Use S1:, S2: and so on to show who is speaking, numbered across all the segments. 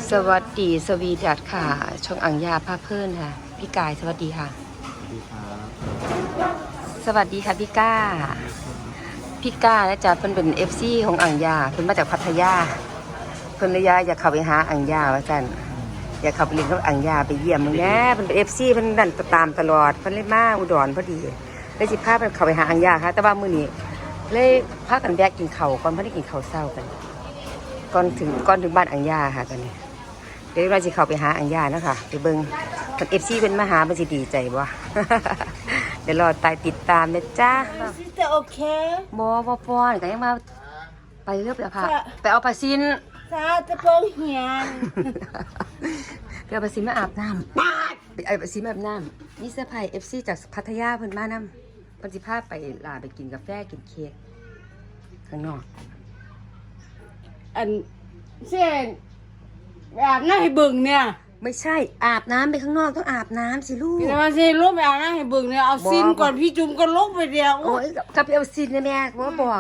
S1: สวัสดีสวีดัตค่ะช่องอังยาภาพเพื่อนค่ะพี่กายสวัสดีค่ะสวัสดีค่ะพี่ก้านะจ๊ะเพิ่นเป็นFCของอังยาเพิ่นมาจากพัทยาเพิ่นเลยอยากเข้าไปหาอังยาว่าซั่นอยากเข้าไปเรียนกับอังยาไปเยี่ยมมึงแหน่เพิ่นเป็น FC เพิ่นนั่นตามตลอดเพิ่นเลยมาอุดรพอดีเลยสิพาเพิ่นเข้าไปหาอังยาค่ะแต่ว่ามื้อนี้เลยพากันแวะกินข้าวก่อนเพิ่นได้กินข้าวเช้ากันก่อนถึงบ้านอังยาค่ะตอนนี้เดี๋ยวเราจะเข้าไปหาอังยานะคะไปเบิ่งเพิ่น FC เพิ่นมาหาเพิ่นสิดีใจบ่ เดี๋ยวรอติดตามนะจ๊ะ
S2: Sister okay
S1: บ่ป้อนก็ยังมาไปเรียบแล้วค่ะไปเอาปลาซิน
S2: ซาตะโปงเหียน
S1: ไปเอาปลาซินมาอาบน้ำไปเอาปลาซินมาอาบน้ำนี่เสื้อผ้า FC จากพัทยาเพิ่นมานำเพิ่นสิพาไปลาไปกินกาแฟกินเค้กข้างนอก
S2: อันเช่นอาบน้ำให้เบิ่งเนี่ย
S1: ไม่ใช่อาบน้ำไปข้างนอกต้องอาบน้ำสิลูก
S2: พี่มาเช่นลูกไปอาบน้ำให้เบิ่งเนี่ยเอาซินก่อนพี่จุ่มก็ลงไปเดียว
S1: โอ้ยกลับไปเอาซินนะแม่ว่าบอก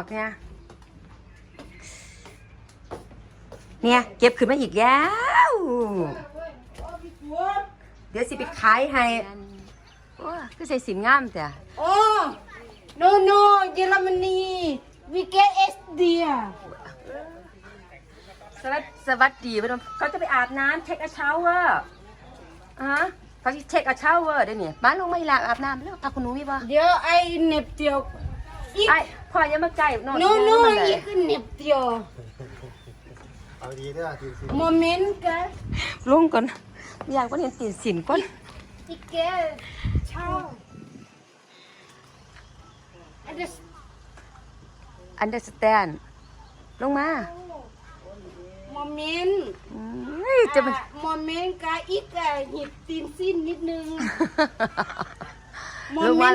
S1: เนี่ยเก็บขึ้นมาอีกแล้วเดี๋ยวสิไปขายให้โอ้ก็ใส่สินงามแต่
S2: โอ้ no เยอรมนี we get SD
S1: สวัสดีพี่น้องเขาจะไปอาบน้ำเทคเช้าเวอร์เขาจะเทคเช้าเวอร์ได้เนี่ยบ้านลงไม่ลาอาบน้ำแล้วพาคุณหนูมีป่ะ
S2: เดี๋ยวไอ้เน็บเดียวอีก
S1: ไอ้พ่อยังมาใกล้นอน
S2: no อีกเน็บเดียว
S3: เอาดีด้วยทีสิ
S2: โมเมนต์กัน
S1: ลงก่อนอยากก็เห็นตีนสินก่อน
S2: อีกแกเช่า
S1: understand ลงมา
S2: โมเมนต์
S1: จะมัน
S2: โมเมนต์กะอีกอะหยิบตีนสิ้นนิดนึง
S1: ลงมา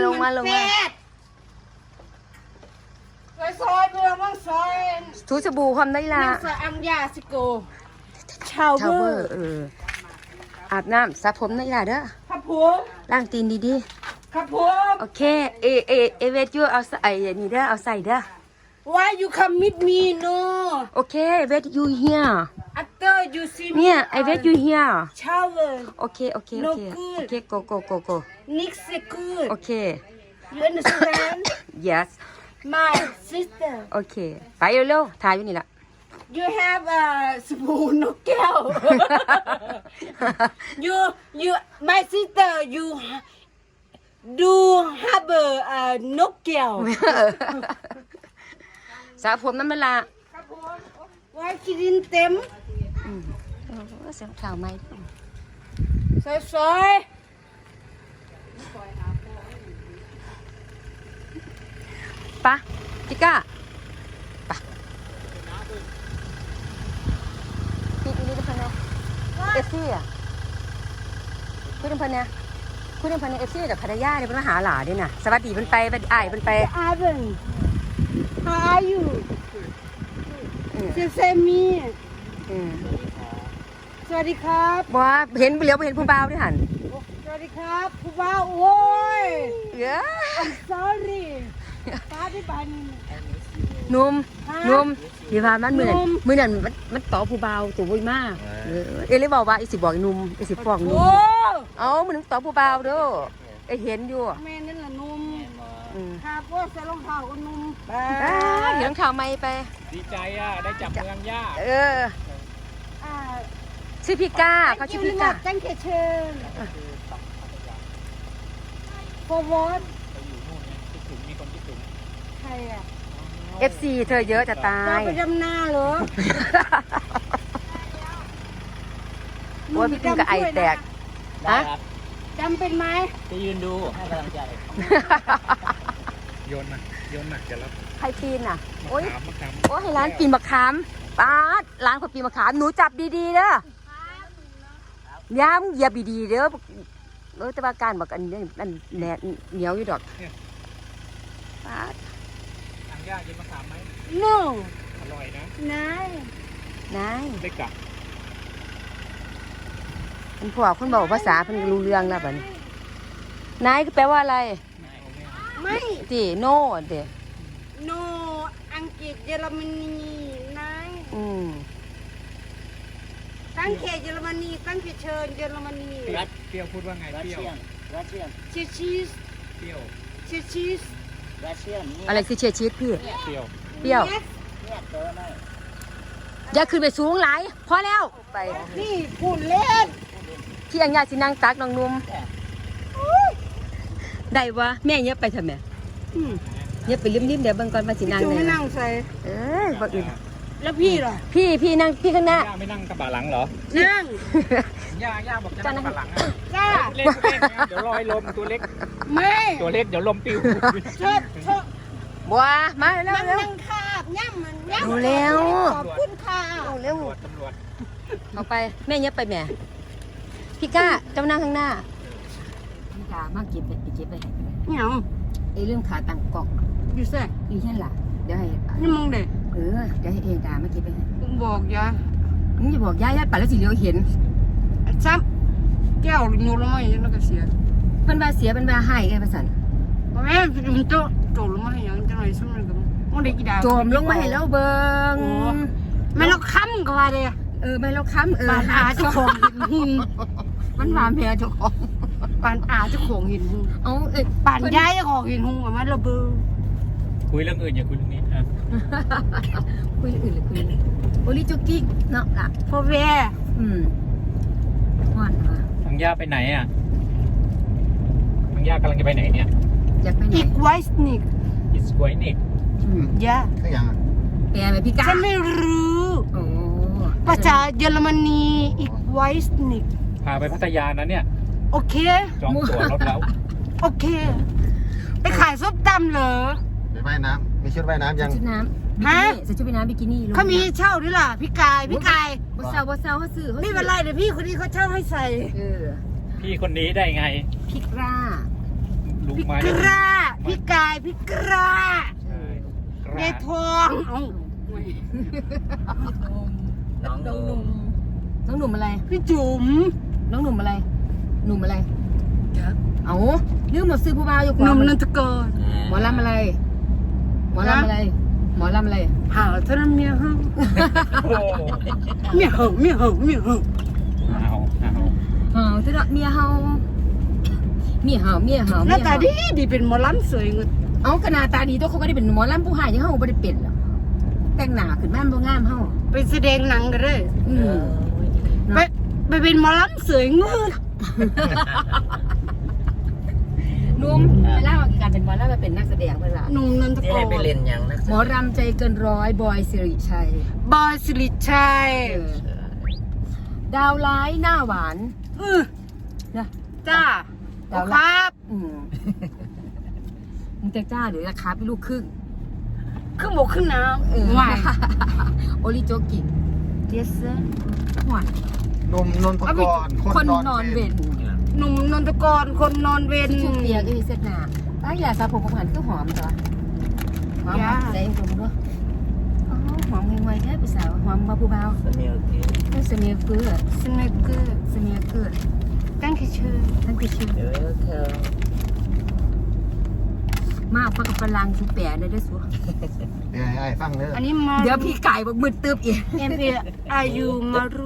S2: ซอยเพื่อมั่งซอย
S1: ถูสบู่ความได้ละ
S2: นั่งซอยอังยาสิโกชาว
S1: ชาว
S2: เว
S1: เว
S2: อ
S1: อ
S2: ร์
S1: ร์อาบน้ำสระผมได้ละเด้อ
S2: ครับผม
S1: ล้างตีนดี
S2: ครับผม
S1: ๆโอเคเวทยูเอาใส่นี่เด้อเอาใส่เด้อ
S2: Why you come with me no
S1: โอเคเวทยูเฮีย
S2: after you see me
S1: เนี่ยไอเวทยูเฮีย
S2: shower
S1: โอเค
S2: No good.
S1: go
S2: next good
S1: โอเค
S2: you understand
S1: yes
S2: my sister
S1: โอเคไปเร็วๆถ่ายอยู่นี่ละ
S2: you have a สบู่นกแก้ว you my sister you do have a นกแก้ว
S1: สระผมนั่นเวลา
S2: ครับผมไว้คิดินเต็ม
S1: เสียงข่าวไหม
S2: สวย
S1: ปะจิก้าปะนี่น้ำพันเนี่ยเอฟซี่อ่ะคุยน้ำพันเนี่ยเอฟซี่จากพัทยาเนี่ยเป็นมาหาหลาด้วยนะสวัสดีมันไปไอ้มันไป
S2: ๆ Ivan how are you เซซามีสวัสดีครับ
S1: บอกว่าเห็นเหลียวไปเห็นผู้บ่าวด้วยหัน
S2: สวัสดีครับผู้บ่าวโอ้ย
S1: เยอะ
S2: I'm sorry ป้าได้ปานนี้
S1: นุ่มเดี๋ยวพามันมือนั่นมันต่อผู้บ่าวตัวบุยมากเอเลยบอกว่าไอ้สิบอกนุ่มไอ้สิฟ้องนุ่ม
S2: โอ้
S1: เอามันต่อผู้บ่าวเด้อไอ้เห็นอยู่
S2: แม่นั่นแหละนุ่มครับว่าใส่รองเท้าก็นุ่ม
S1: เห็นข่าวไม่ไป
S3: ดีใจอ่ะ ได้จับเมืองย่า
S1: ชื่อพี่ก้าเขาชื่อพี่ก้า
S2: ตั้งแต่เชิญ forward
S3: ไปอยู่นู่นไงคิดถึงมีคนคิดถึง
S2: ใครอ่ะ
S1: FC เธอเยอะจะตา
S2: จะ
S1: ย
S2: ไปดำนาเหรอ
S1: โอ้ยพี่กุ้งกับไอแตก
S3: ได้ครับ
S2: จำเป็นไหม
S3: จะยืนดูให้กำลังใจโยนมาจะรับ
S1: ใครปีนอ่ะ โอ้ย
S3: มะขาม
S1: โอ้ยให้ร้านปีนมะขามป้าดร้านคนปีนมะขามหนูจับดีๆเด้อย่ำเหยียบดีๆเด้อแต่ว่าการบอกอันนี้อันแหนเหนียวอยู่ดอกป้าด
S3: ทางย่ากินมะขามไหม
S2: no
S3: อร่อยนะ
S2: นาย
S1: นาย
S3: ได้กลับ
S1: เป็นพวกคนบอกภาษาเพิ่นรู้เรื่องแล้วบัดนี้นายก็แปลว่าอะไร
S2: ไม่
S1: ติโน่เด้
S2: no อังกฤษเยอรมนีนาย
S1: อืม
S2: ไทตั้งเขตเยอรมนีตั้งเขตเชิญเยอรมนี
S3: เปรี้ยวพูดว่าไงเปรี้ยว
S2: เชยร์ชีส
S3: เปรี้ยว
S2: เชยร์ชีส
S1: อะไรคือเชียร์ชีสพี่
S3: เปรี้ยว
S1: เปรี้ยวอย่าขึ้นไปสูงหลายพอแล้วไป
S2: นี่พูดเล่น
S1: พี่อังยาสินั่งตักน้องนุ่มได้วะแม่เย็บไปทำไมเย็บไปริมๆเดี๋ยวเบิ่งก่อนว่าสินั่ง
S2: จู
S1: เล
S2: ไม่
S1: ย
S2: นั่งใส่
S1: บ่อื่น
S2: แล้วพี่ล่ะ
S1: พี่นั่งพี่ข้างหน้า
S3: ย่าไม่นั่งกระบะหลังเหรอ
S2: นั่ง
S3: ย่าบอกจะนั่งกระบะหลังอ่ะ
S2: จ้า
S3: เล่นเดี๋ยวลอยลมตัวเล็ก
S2: ไม่
S3: ตัวเล็กเดี๋ยวลมปิว
S2: ชอบชอบ
S1: บัวมาเร็ว
S2: มัน
S1: เร็ว
S2: นั่งคาบย่ำมันย่ำ
S1: ดูแล้ว
S2: ขอบคุณค่ะ
S1: เร็ว
S3: ตำรวจ
S1: เอาไปแม่เย็บไปแม่พี่ก้าเจ้านั่งข้างหน้าพี่ก้ามาเก็บไปเก็บไป
S2: เหนียว
S1: ไอ้เรื่องขาตั้งกล่อง
S2: อยู่แซ่
S1: อีเช่นล่ะเดี๋ยวให้
S2: นี่มึงเด็ก
S1: เดี๋ยวให้เอดามาเก็บไปให้
S2: บอกยา
S1: มึงอย่าบอกย่าไปแล้วสิเลี้ยวเห็น
S2: ซ้ำแก้วโยนลงมาอย่างนั้นก็เสีย
S1: เพิ่นว่าเสียเพิ่นว่าให้ไงประสัน
S2: แม่มันโจลงมาอย่างจังไรซ้ำมันก็มันได้กี่ดาว
S1: โจมลงมาให้แล้วเบิ่ง
S2: ไม่เราค้ำก็ว่าเลย
S1: ไม่เราค้ำ
S2: ปานอาเจ้าของหินหุ่น
S1: มันหวานแพ้เจ้าของ
S2: ปานอาเจ้าของหินหุ่น
S1: เอา
S2: ปานย้ายเจ้าของหินหุ่นกับมันระเบิด
S3: คุยเรื่องอื่นอย่าคุยเรื่องนี้อ่ะ
S1: คุยอื่นหรือคุยโอลิจุกิเนาะล่ะ
S2: พ่อแม่
S1: ว่านมา
S3: ทางย่าไปไหนอ่ะทางย่ากำลังจะไปไหนเนี่ย
S1: อยากไปไหน
S2: อีกไวส์นิก
S3: It's quite neat
S2: ยา
S4: ก็ยังอ่ะ
S1: แปลไปพี่ก้า
S2: ฉันไม่รู้
S1: โอ้
S2: ภาษาเยอรมนีอีกไวส์นิก
S3: พาไปพัทยานะเนี่ย
S2: โอเค
S3: จองตั๋วรถแล้ว
S2: โอเค ไปขายส้มตำเหรอ
S4: ไปว่ายน้ำมีชุดว่ายน้ำยัง
S1: ชุดน้ำ
S2: ฮะ
S1: ใส่ชุดว่ายน้ำบิกินี่
S2: เขามีให้เช่าด้วยล่ะพี่กายพี่กาย
S1: บ่เซาเขาซื้อ
S2: ไม่เป็นไรเดี๋ยวพี่คนนี้เขาเช่าให้ใส่
S3: พี่คนนี้ได้ไง
S1: พี่กล้า
S3: ลุก
S2: พี่
S3: ไม้
S2: กล้าพี่กายพี่กล้า
S3: ใช่ก
S2: ใน
S3: ล้า
S2: ทองเอ้า
S3: น้องหนุ่ม
S1: น้องหนุ่มอะไร
S2: พี่จุ๋ม
S1: น้องหนุ่มอะไร หนุ่มอะไรเอาลืมหมดซื้อผู้บ่าวอยู่
S2: หนุ่มนันทกร
S1: หมอลำอะไร หมอลำอะไร หมอลำอะไร
S2: หาเท่านั้นเมียเหรอ
S3: โอ้
S2: เมียเหรอเมียเหรอเมียเหรอ
S3: เอา
S1: เจ้าเมียเฮาเมียเฮา
S2: หน้าตาดีดีเป็นหมอลำสวยเงิน
S1: เอาขนาดตาดีตัวเขาก็ได้เป็นหมอลำผู้หายยังเฮาบ่ได้เป็นหรอกแต่งหน้าขึ้นมาบ่งามเฮา
S2: ไปแสดงหนังกันเลย
S1: เนาะ
S2: ไปเป็นหมอลำสวยเงิน
S1: นุ่มเวลาการเป็นหมอลำมาเป็นนักแสดงเวลา
S2: หนุ่มนันทกร
S1: หมอรำใจเกินร้อยบอยสิริชัย
S2: บอยสิริชัย
S1: ดาวร้ายหน้าหวาน นะ
S2: จ้า
S1: ดาว
S2: ค
S1: ร้าย
S2: รับ
S1: มึงจะจ้าหรือราคาเป็นลูกครึ่ง
S2: ขึ้นบกขึ้นน้ำว่าย
S1: โอริโจกิเยสเซอร์หวาน
S4: นมนนทกร
S1: คนนอนเวน
S2: หนุ่มนนทกรคนนอนเวร
S1: ชุดเปียกก็มีเส้นหนาป้าอย่าสระผมของหันก็หอมจ้ะหอมใจเองผมด้วยหอมไวๆแค่ผู้สาวหอมมาผู้เบาเสนียเกือ
S2: สเนกเกอร์
S1: เสนียเกือ
S2: ตั้งชื่อ
S1: ท่านคือชื่อมาฟังกับฝรั่งชุดแปะเลยด้วยสัว
S4: เดี๋ยวให้ฟังเด้อ
S2: อันนี้มา
S1: เดี๋ยวพี่ไก่บอกมืดตึบอีก
S2: เออายุมารุ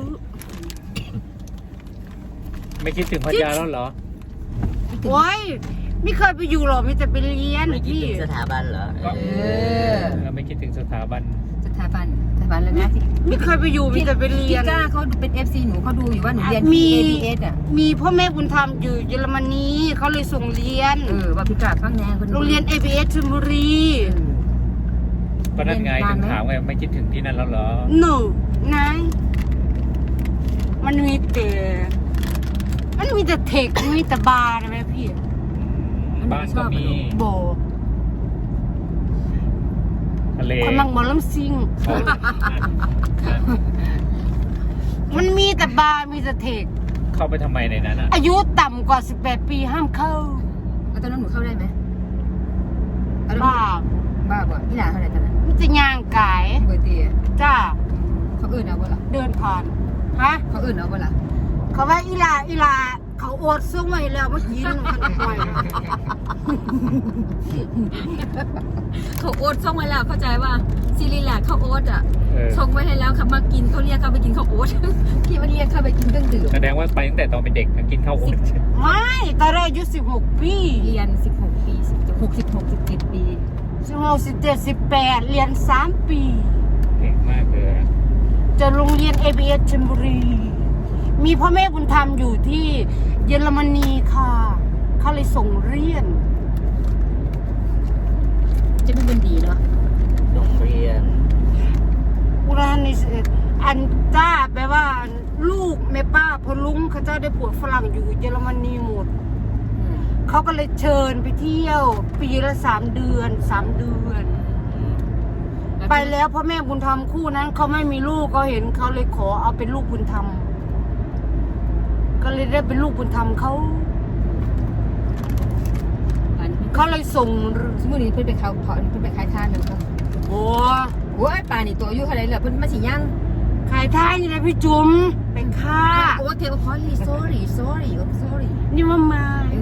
S3: ไม่คิดถึงพัทยาแล้วเหรอ
S2: โอ้ยไม่เคยไปอยู่หรอกมีแต่ไปเรียนพี่
S3: ก็ ไม่คิดถึงสถาบัน
S1: สถาบันแล้วนะที่
S2: ไม่เคยไปอยู่มีแต่ไปเรี
S1: พี่
S2: ยน
S1: ก้าเขาเป็น FC หนูเขาดูอยู่ว่าหนูเรียน
S2: มี
S1: ABS อ่ะ
S2: มีพ่อแม่บุญธรรมอยู่เยอรมนีเขาเลยส่งเรียน
S1: ว่าพี่ก้าฟังแน่คน
S2: โรงเรียน ABS ชลบุรี
S3: ก็นั่นไงถึงถามไงไม่คิดถึงที่นั่นแล้วเหรอ
S2: หนูนายมันมีแต่เทคมีแต่บาร์นะแม่พี่
S3: บ้านก็มี
S2: โบ
S3: ทะเล
S2: คนมังหมอลำซิง มันมีแต่บาร์มีแต่เทค
S3: เข้าไปทำไมในนั้นอ่ะ
S2: อายุต่ำกว่า 18 ปีห้ามเข้า
S1: แล้วตอนนั้นหนูเข้าได้ไหม
S2: บ้า
S1: บ้าบ่พี่หลาเท่าไหร่ตอนนั้น
S2: มันจะย่างกาย
S1: เบอร์ตี
S2: จ้า
S1: เขาเอื่นเอาบ่ล่ะ
S2: เดินผ่านฮะ
S1: เขาเอื่นเอาบ่ล่ะ
S2: เขาว่าอีลาเขาอดส่งไว้แล้วเมื่อกี้นึงมันปล่อย
S5: เขาโอ๊ตส่งไว้แล้วเข้าใจว่าซีรีส์แหละเขาโอ๊ตอ่ะ
S3: เออ
S5: ส่งไว้ให้แล้วขับมากินเขาเรียกเขาไปกินข้าวโอ๊ต พี่มันเรียกเขาไปกินเครื่องดื่ม
S3: แสดงว่าไปตั้งแต่ตอนเป็นเด็กนะกินข้าวโอ๊ต
S2: ไม่ตอนแรกอายุ16 ปี
S5: เรียน16 ปี66 17 ปี
S2: 16 17 18เรียน3 ปี
S3: เก่งมากเลย
S2: จะโรงเรียน ABS ชลบุรี มีพ่อแม่บุญธรรมอยู่ที่เยอรมนีค่ะเขาเลยส่งเรียน
S5: จะเป็นคนดีเนาะ
S6: โรงเรียน
S2: อุรานิสอันจ้าแปลว่าลูกแม่ป้าพอลุงเขาเจ้าได้ปวดฝรั่งอยู่เยอรมนีหมด เขาก็เลยเชิญไปเที่ยว ปีละ3 เดือน 3 เดือน ไปแล้วพ่อแม่บุญธรรมคู่นั้นเขาไม่มีลูกเขาเห็นเขาเลยขอเอาเป็นลูกบุญธรรม ก็เลยได้เป็นลูกบุญธรรมเขา
S5: อันนี้
S2: เขาเลยส่ง
S5: สมมุตินี้เพิ่นไปเขาเพาะเพิ่นไปขายทานเลยครับ
S2: โอ้
S5: โอ้ยป่านี่ตัวอายุเท่าไหร่แล้วเพิ่นมาสิย่าง
S2: ขายท้ายนี่แหละพี่จุ๋มเป็นค่า
S5: โอ้เทวพอลี sorry
S2: นี่มามา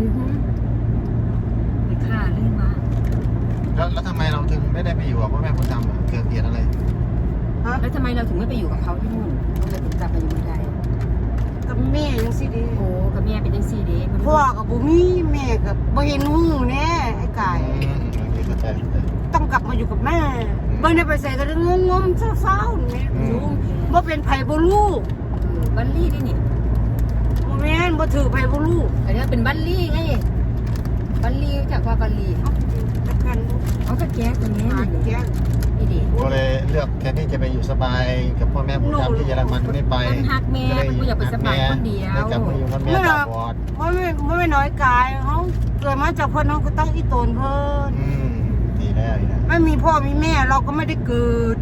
S5: ไปฆ่าเรื่องมา
S4: แล้วทำไมเราถึงไม่ได้ไปอยู่กับพ่อแม่บุญธรรมอะเกิดเหตุอะไร
S5: แล้วทำไมเราถึงไม่ไปอยู่กับเขาที่นู่นเราถึงกลับมาอยู่เมืองไทย
S2: กับแม่ยังสิเดี
S5: โอ้กับแม่เป็นจังซี่เด้
S2: พ่อกับบุมีแม่กับบ่เห็นหูแน่ไอ้ไก่
S4: โอเคเข้าใจ
S2: ต้องกลับมาอยู่กับแม่เบิ่งได้ไปใส่ก็งงๆเศร้าๆนี่จุ๋มบ่เป็นไผบ่ลูก
S5: บัลลี่นี่นี่
S2: บ่แม่นบ่ถือไผบ่ลูก
S5: อันนี้เป็นบัลลี่ไงบัลลี่จากว่าบัลลี่
S2: ตะกัน
S5: เอากระแก้ตัวนี้
S2: หาแก้ว
S5: นี่ดิ
S4: ก็เลยเลือกแทนที่จะไปอยู่สบายกับพ่อแม่บุญธรรมที่เยอรมันไม่ไป
S5: มันหักแม่มันกูอยากไปสบายคนเดียว
S4: เลยกลับมาอยู่กับแม่ตาบอด
S2: ไม่น้อยกายเขาเกิดมาจากเพิ่นน้องก็ต้องอีโตนเพิ่น
S4: ดีแล้วอีกนะ
S2: ไม่มีพ่อมีแม่เราก็ไม่ได้เกิด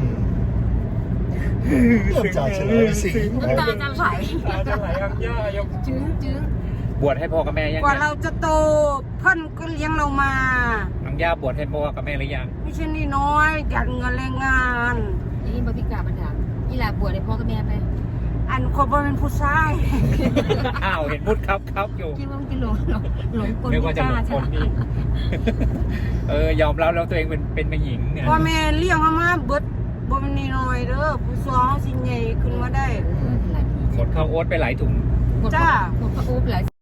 S4: เริ่มจากเฉลยสิ
S5: น้ำตาจะไหล
S3: จะไหลอังย่ายก
S5: จึ้ง
S3: บวชให้พ่อกับแม่ยัง
S2: กว่าเราจะโตเพิ่นก็เลี้ยงเรามา
S3: อังย่าบวชให้พ่อกับแม่หรือยัง
S2: ไม่ใช่นี่น้อยจัดเงินแรงงาน
S5: นี่บริการบันดาอีหลาบวชให้พ่อกับแม่ไป
S2: อันคนบ่เป็นผู้ชาย
S3: อ้าวเห็นพูดครับอยู่
S5: คิดว่ามันกินหลงกล
S3: นึกว่าจะหลง
S5: ใช่
S3: คน
S5: ไหม
S3: นี่ ยอมรับแล้วตัวเองเป็นผู้หญิงเนี่ย
S2: พ่อแม่เลี้ยงมาเบิดบ่เป็นนี่น้อยเด้อผู้สาวสิใหญ่ขึ้นมาได้
S3: หมดข้าวโอ๊ตไปหลายถุง
S5: หมดพระโอ๊บหลาย